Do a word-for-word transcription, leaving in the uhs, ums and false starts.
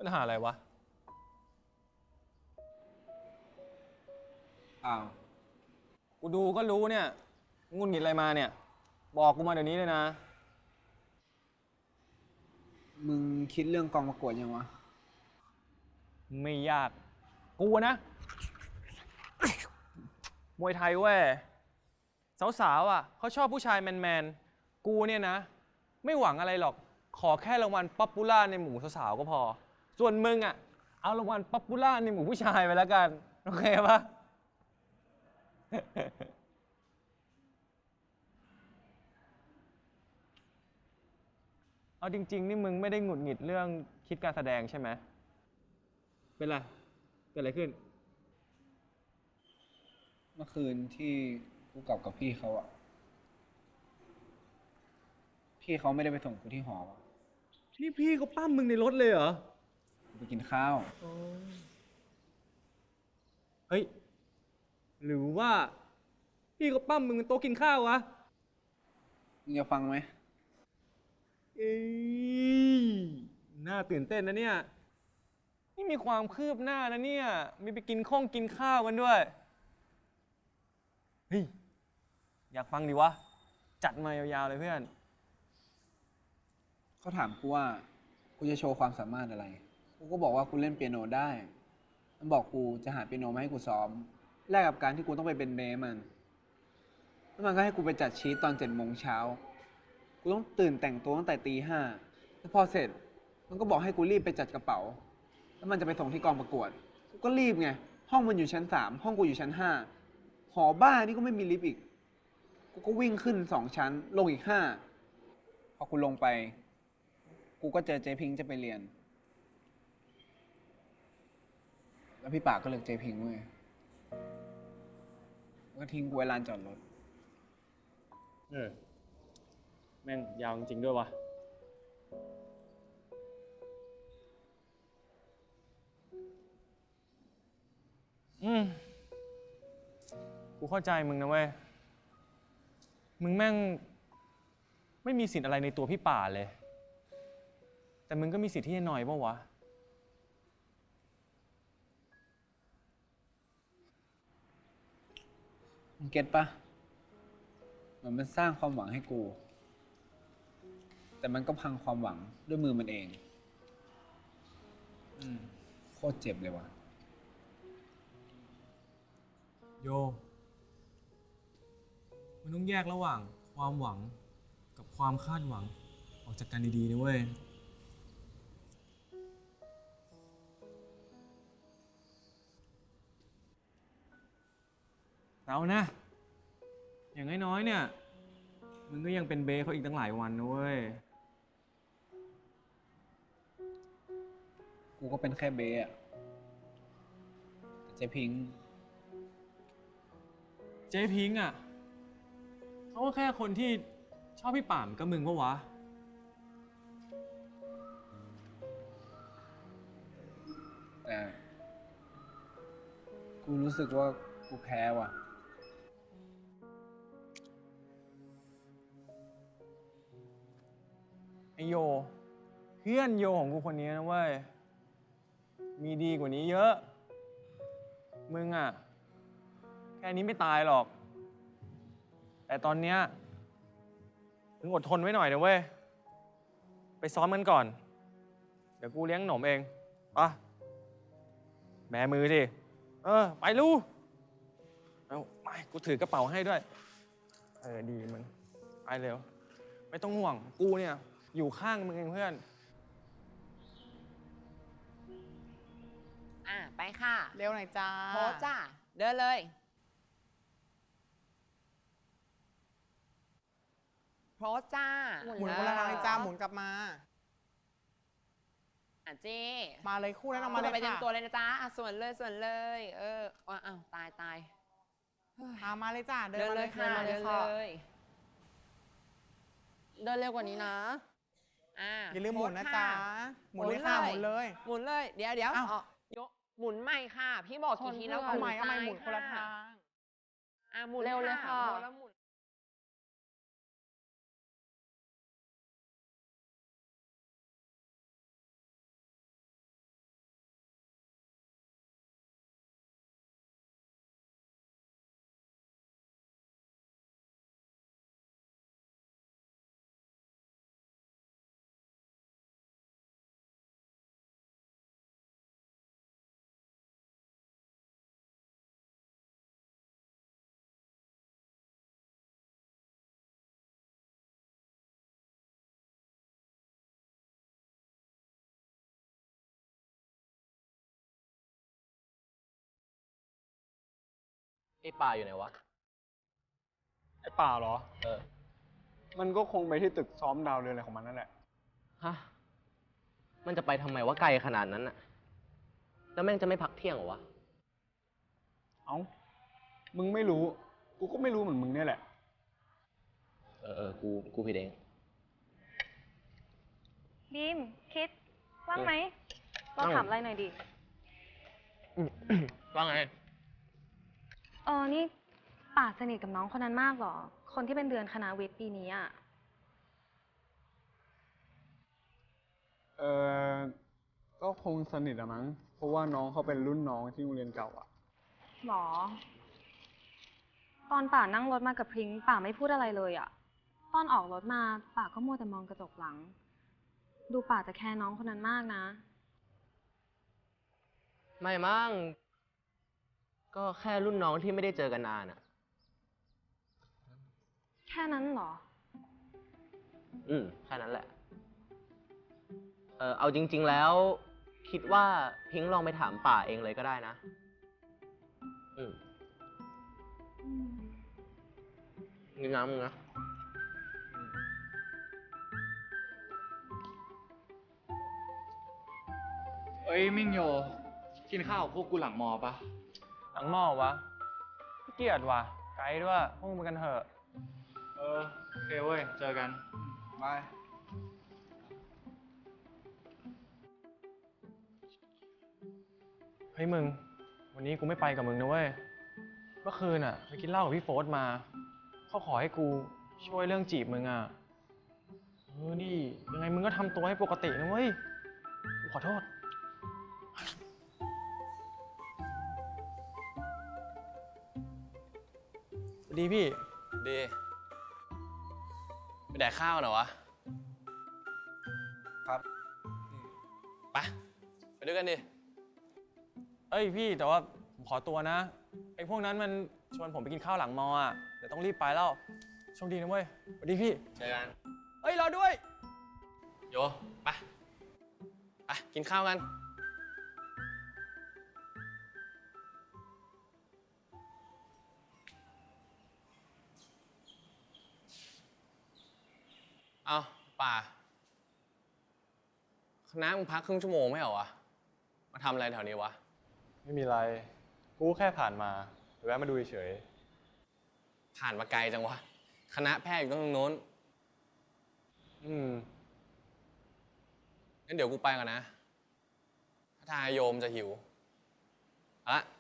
ปัญหาอะไรวะอ้าวกูดูก็รู้เนี่ยงุนหงิดอะไรมาเนี่ย บอกกูมาเดี๋ยวนี้เลยนะมึงคิดเรื่องกองประกวดยังวะไม่ยาก กูนะ มวยไทยเว้ย สาวๆอ่ะเขาชอบผู้ชายแมนๆ กูเนี่ยนะ ไม่หวังอะไรหรอก ขอแค่รางวัลป๊อปปูล่าในหมู่สาวๆก็พอ ส่วนมึงอ่ะ เอารางวัลป๊อปปูล่าในหมู่ผู้ชายไปแล้วกัน โอเคปะ เอาจริงๆนี่มึงไม่ได้หงุดหงิดเรื่องคิดการแสดงใช่ไหม เป็นไร เกิดอะไรขึ้นเมื่อคืนที่กูกลับกับพี่เขาอะพี่เขาไม่ได้ไปส่งกูที่หอวะนี่พี่เขาปั้มมึงในรถเลยเหรอกูไปกินข้าวเฮ้ย หรือว่า พี่เขาปั้มมึงบนโต๊ะกินข้าววะมึงจะฟังไหมเอ้ยน่าตื่นเต้นนะเนี่ย นี่มีความคืบหน้านะเนี่ย มีไปกินข้องกินข้าวกันด้วย เฮ้ย อยากฟังดิวะ จัดมายาวๆเลยเพื่อนเขาถามกูว่ากูจะโชว์ความสามารถอะไร กูก็บอกว่ากูเล่นเปียโนได้ มันบอกกูจะหาเปียโนมาให้กูซ้อม แลกกับการที่กูต้องไปเป็นเบสมัน แล้วมันก็ให้กูไปจัดชีตตอนเจ็ดโมงเช้า กูต้องตื่นแต่งตัวตั้งแต่ตีห้าแล้วพอเสร็จ มันก็บอกให้กูรีบไปจัดกระเป๋า แล้วมันจะไปส่งที่กองประกวด กูก็รีบไง ห้องมันอยู่ชั้นสาม ห้องกูอยู่ชั้นห้า หอบ้านนี่ก็ไม่มีลิฟต์อีก กูก็วิ่งขึ้นสองชั้น ลงอีกห้า พอกูลงไป กูก็เจอเจพิงค์จะไปเรียน แล้วพี่ปากก็เลือกเจพิงค์เว้ยแล้วก็ทิ้งกูไว้ลานจอดรถเออ แม่งยาวจริงๆด้วยวะ อืม กูเข้าใจมึงนะเว้ย มึงแม่ง ไม่มีสิทธิ์อะไรในตัวพี่ป่าเลย แต่มึงก็มีสิทธิ์ที่จะหน่อยป่าวะมึงเก็ตปะเหมือนมันสร้างความหวังให้กู แต่มันก็พังความหวังด้วยมือมันเอง อืม โคตรเจ็บเลยว่ะโย มันต้องแยกระหว่างความหวังกับความคาดหวัง ออกจากกันดีๆนะเว้ย เอานะ อย่างน้อยๆเนี่ย มึงก็ยังเป็นเบสเขาอีกตั้งหลายวันนะเว้ยกูก็เป็นแค่เบสอะแต่เจพิงค์เจ๊พิงค์อ่ะเขาก็แค่คนที่ชอบพี่ป่ามกับมึงปะวะแต่ กูรู้สึกว่ากูแพ้ว่ะไอโย เพื่อนโยของกูคนนี้นะเว้ย มีดีกว่านี้เยอะ มึงอ่ะ แค่นี้ไม่ตายหรอก แต่ตอนเนี้ยมึงอดทนไว้หน่อยนะเว้ย ไปซ้อมกันก่อน เดี๋ยวกูเลี้ยงหนมเองปะแบมือสิ เออ ไปลูกเอาไม่กูถือกระเป๋าให้ด้วย เออ ดีมึง ไปเร็ว ไม่ต้องห่วง กูเนี่ย อยู่ข้างมึงเองเพื่อนอ่ะ ไปค่ะเร็วหน่อยจ้าโพสจ้า เดินเลย โพสจ้าหมุนคนละทางเลยจ้า หมุนกลับมาอ่ะเจ้มาเลยคู่นั้นออกมามาเลยไปเต็มค่ะตัวเลยนะจ๊ะอ่ะส่วนเลยส่วนเลย เอออ้าวอ้าวตายตายอ่ามาเลยจ้า เดินเดินมาเลเลย ยค่ะเดินมาเดิเลยนค่ะเลย เดินเร็วกว่านี้นะอ่าอย่าลืมหมุนนะโพสจ๊ะค่ะหมุนเลยค่ะ หมุนเลยหมุนเลย เดี๋ยวเดี๋ยวอ้าวอ๋อยกหมุนใหม่ค่ะ พี่บอกกี่ทีแล้วเอาใหม่เอาใหม่ซ้ยหมุนคนละทางอ่ะหมุนเร็วเลยค่ะโพสแล้วหมุนไอ้ป่าอยู่ไหนวะไอ้ป่าเหรอเออมันก็คงไปที่ตึกซ้อมดาวเรือนอะไรของมันนั่นแหละฮะ มันจะไปทำไมว่าไกลขนาดนั้นอะแล้วแม่งจะไม่พักเที่ยงเหรอวะเอ้า มึงไม่รู้ กูก็ไม่รู้เหมือนมึงเนี่ยแหละเออเออกู กูผิดเองบีม คิด ว่างไหม เราว่างถามอะไรหน่อยดิว่าไงเออ นี่ป่าสนิทกับน้องคนนั้นมากเหรอ คนที่เป็นเดือนคณะวิทย์ปีนี้อ่ะเออก็คงสนิทอะมั้ง เพราะว่าน้องเขาเป็นรุ่นน้องที่โรงเรียนเก่าอะหรอ ตอนป่านั่งรถมากับพริ้งป่าไม่พูดอะไรเลยอ่ะ ตอนออกรถมาป่าก็มัวแต่มองกระจกหลัง ดูป่าจะแคร์น้องคนนั้นมากนะไม่มั่ง ก็แค่รุ่นน้องที่ไม่ได้เจอกันนานอะแค่นั้นเหรออืม แค่นั้นแหละ เออเอาจริง ๆ แล้ว คิดว่าพิงค์ลองไปถามป่าเองเลยก็ได้นะ อืมนี่น้ำมึงนะเอ้ยมิ่งโย กินข้าวกับพวกกูหลังมอปะหลังหม้อวะขี้เกียจว่ะ ไกด์ด้วย พวกมึงไปกันเถอะเออโอเคเว้ย เจอกันบายเฮ้ยมึง วันนี้กูไม่ไปกับมึงนะเว้ย เมื่อคืนอ่ะไปกินเหล้ากับพี่โฟสมา เขาขอให้กูช่วยเรื่องจีบมึงอ่ะ เออนี่ยังไงมึงก็ทำตัวให้ปกตินะเว้ย กูขอโทษ ดีพี่ดี ไปแดกข้าวหน่อยวะครับไป ไปด้วยกันดิเอ้ยพี่แต่ว่าผมขอตัวนะไอ้พวกนั้นมันชวนผมไปกินข้าวหลังมออ่ะเดี๋ยวต้องรีบไปแล้วโชคดีนะเว้ยสวัสดีพี่เจอกันเอ้ยรอด้วยโย ไป ไป กินข้าวกัน เอาป่า คณะมึงพักครึ่งชั่วโมงไม่เหรอวะ มาทำอะไรแถวนี้วะไม่มีไร กูแค่ผ่านมาแวะมาดูเฉยผ่านมาไกลจังวะ คณะแพทย์อยู่ตรงโน้นอืมงั้นเดี๋ยวกูไปก่อนนะ ถ้าทางโยมจะหิวเอาละ